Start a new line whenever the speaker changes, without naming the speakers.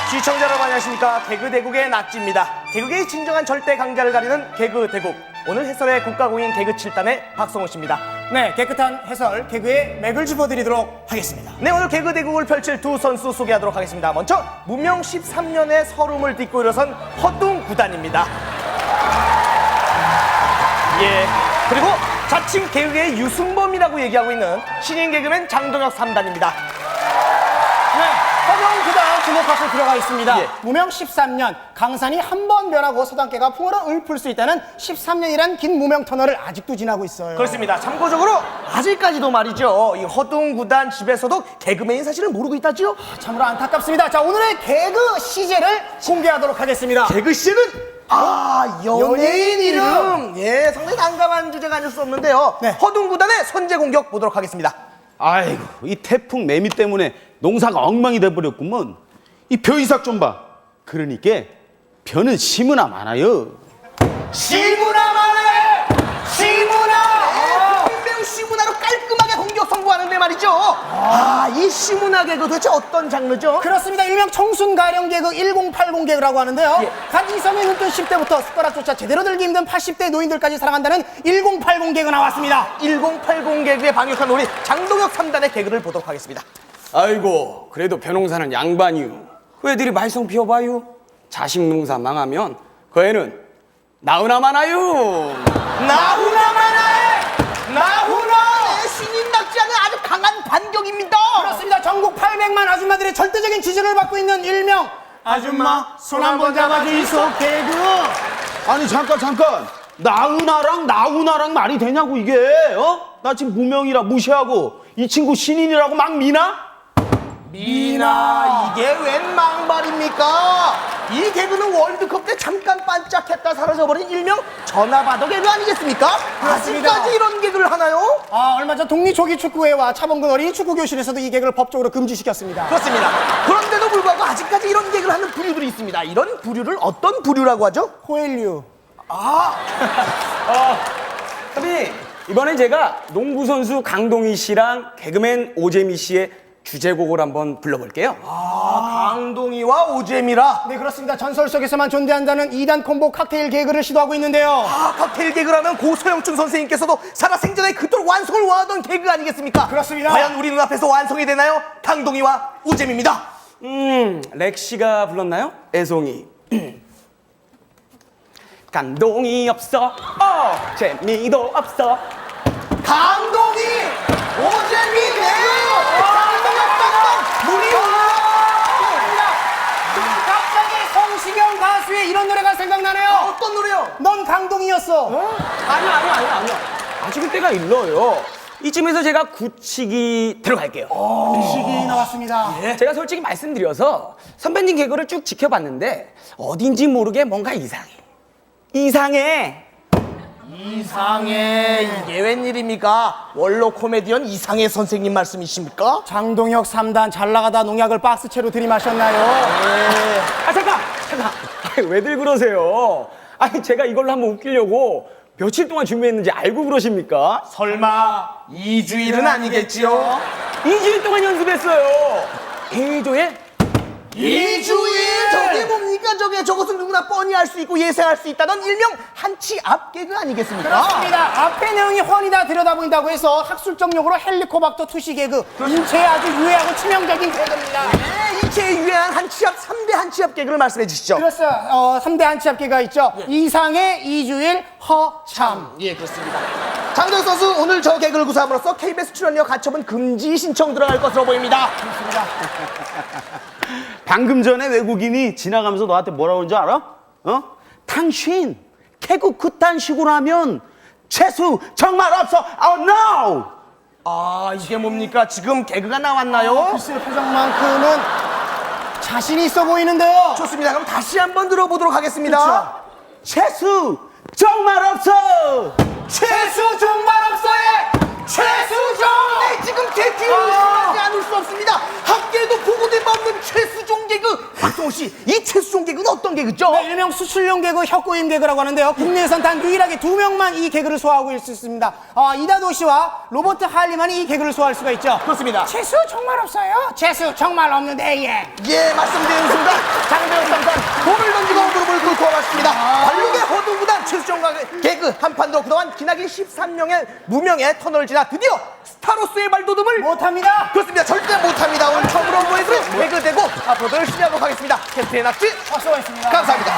시청자 여러분 안녕하십니까. 개그대국의 낙지입니다. 개그계의 진정한 절대 강자를 가리는 개그대국. 오늘 해설의 국가공인 개그 7단의 박성호 씨입니다.
네, 깨끗한 해설 개그의 맥을 짚어드리도록 하겠습니다.
네, 오늘 개그대국을 펼칠 두 선수 소개하도록 하겠습니다. 먼저 무명 13년의 서름을 딛고 일어선 허둥 구단입니다. 예, 그리고 자칭 개그계의 유승범이라고 얘기하고 있는 신인 개그맨 장동혁 3단입니다.
네, 허경 구단 주목하고 들어가 있습니다.
예.
무명 13년, 강산이 한 번 변하고 서당계가 풍어로 읊을 수 있다는 13년이란 긴 무명 터널을 아직도 지나고 있어요.
그렇습니다. 참고적으로 아직까지도 말이죠, 이 허둥 구단 집에서도 개그맨인 사실을 모르고 있다지요?
참으로 안타깝습니다. 자, 오늘의 개그 시제를 공개하도록 하겠습니다.
개그 씨는 연예인 이름. 예, 상당히 난감한 주제가 아닐 수 없는데요.
네.
허둥 구단의 선제 공격 보도록 하겠습니다.
아이고, 이 태풍 매미 때문에 농사가 엉망이 돼버렸구먼. 이 벼이삭 좀 봐. 그러니까 벼는 시무나 많아요.
시문화 말해! 시문화! 매우 시문화로 깔끔하게 공격 성공하는데 말이죠. 이 시문화 개그 도대체 어떤 장르죠?
그렇습니다. 일명 청순가령 개그 1080 개그라고 하는데요.
예.
각 이성에 눈뜬 10대부터 숟가락조차 제대로 들기 힘든 80대 노인들까지 사랑한다는 1080 개그 나왔습니다.
1080 개그에 방역한 우리 장동혁 3단의 개그를 보도록 하겠습니다.
아이고, 그래도 벼농사는 양반이요. 그 애들이 말썽 피워봐요. 자식 농사 망하면 그 애는 나으나 마나요.
나훈아 만화에! 나훈아! 신인 낙지하는 아주 강한 반격입니다.
그렇습니다. 전국 800만 아줌마들의 절대적인 지지를 받고 있는 일명 아줌마 손 한번 잡아주이소 개그.
아니, 잠깐. 나훈아랑 말이 되냐고, 이게. 나 지금 무명이라 무시하고 이 친구 신인이라고 막 미나?
미나, 이게 웬 망발입니까? 이 개그는 월드컵 때 잠깐 반짝했다 사라져버린 일명 전화바도 개그 아니겠습니까?
그렇습니다.
아직까지 이런 개그를 하나요?
얼마 전 독립조기축구회와 차범근 어린이 축구교실에서도 이 개그를 법적으로 금지시켰습니다.
그렇습니다. 그런데도 불구하고 아직까지 이런 개그를 하는 부류들이 있습니다. 이런 부류를 어떤 부류라고 하죠?
호일류.
선배님, 이번엔 제가 농구선수 강동희 씨랑 개그맨 오재미 씨의 주제곡을 한번 불러볼게요.
강동희와 오재미라.
네, 그렇습니다. 전설 속에서만 존재한다는 2단 콤보 칵테일 개그를 시도하고 있는데요.
칵테일 개그라면 고소영춘 선생님께서도 살아생전에 그토록 완성을 원하던 개그 아니겠습니까?
그렇습니다.
과연 우리 눈앞에서 완성이 되나요? 강동희와 오재미입니다.
렉시가 불렀나요? 애송이. 감동이 없어, 재미도 없어.
강동희, 오재미 개그! 물이
갑자기 성시경 가수의 이런 노래가 생각나네요.
어떤 노래요?
넌 강동이었어.
아니요. 아직 그때가 일러요. 이쯤에서 제가 굳히기 들어갈게요.
시기 나왔습니다.
제가 솔직히 말씀드려서 선배님 개그를 쭉 지켜봤는데 어딘지 모르게 뭔가 이상해.
이상해, 이게 웬일입니까? 원로 코미디언 이상해 선생님 말씀이십니까?
장동혁 3단 잘 나가다 농약을 박스채로 들이마셨나요?
잠깐. 왜들 그러세요? 아니, 제가 이걸로 한번 웃기려고 며칠 동안 준비했는지 알고 그러십니까?
설마 2주일은 아니겠지요?
2주일 동안 연습했어요. 개조에
2주일? 저게 뭡니까? 저것은 누구나 뻔히 알 수 있고 예상할 수 있다던 일명 한치 앞 개그 아니겠습니까?
그렇습니다. 앞에 내용이 훤히 다 들여다보인다고 해서 학술적 용어로 헬리코박터 투시 개그. 인체에 아주 유해하고 치명적인 개그입니다.
네, 인체에 유해한 한치 앞, 3대 한치 앞 개그를 말씀해 주시죠.
그렇죠. 3대 한치 앞 개그가 있죠. 이상의 2주일 허참.
예, 그렇습니다. 장동혁 선수, 오늘 저 개그를 구사함으로써 KBS 출연료 가처분 금지 신청 들어갈 것으로 보입니다.
방금 전에 외국인이 지나가면서 너한테 뭐라고 그러는지 알아? 당신 개그 그딴 식으로 하면 재수 정말 없어. no!
이게 뭡니까? 지금 개그가 나왔나요?
글쎄 표정만큼은 자신 있어 보이는데요.
좋습니다. 그럼 다시 한번 들어보도록 하겠습니다.
재수 정말 없어.
최수 정말 없어요. 최수종! 네, 지금 제 뒤를 의심하지 않을 수 없습니다. 학계에도 보고된 바 없는 최수종 개그. 박동호 씨, 이 최수종 개그는 어떤 개그죠?
네, 일명 수출용 개그, 혁고임 개그라고 하는데요. 국내에선 단 유일하게 2명만 이 개그를 소화하고 있을 수 있습니다. 이다도 씨와 로버트 할리만이 이 개그를 소화할 수가 있죠.
그렇습니다.
재수 정말 없어요. 재수 정말 없는데 예.
예, 말씀드리는 순간 장대현 삼단 볼을 던지고 무릎을 꿇고 왔습니다. 관록의 허둥구단 최수정과 개그 한판으로 그동안 기나긴 13명의 무명의 터널을 지나 드디어 스타로스의 발돋움을
못합니다.
그렇습니다. 절대 못합니다. 오늘 처음으로 보여드릴 개그 대국 앞으로도 열심히 하도록 하겠습니다. 캡틴의 낙지
수고하셨습니다.
감사합니다.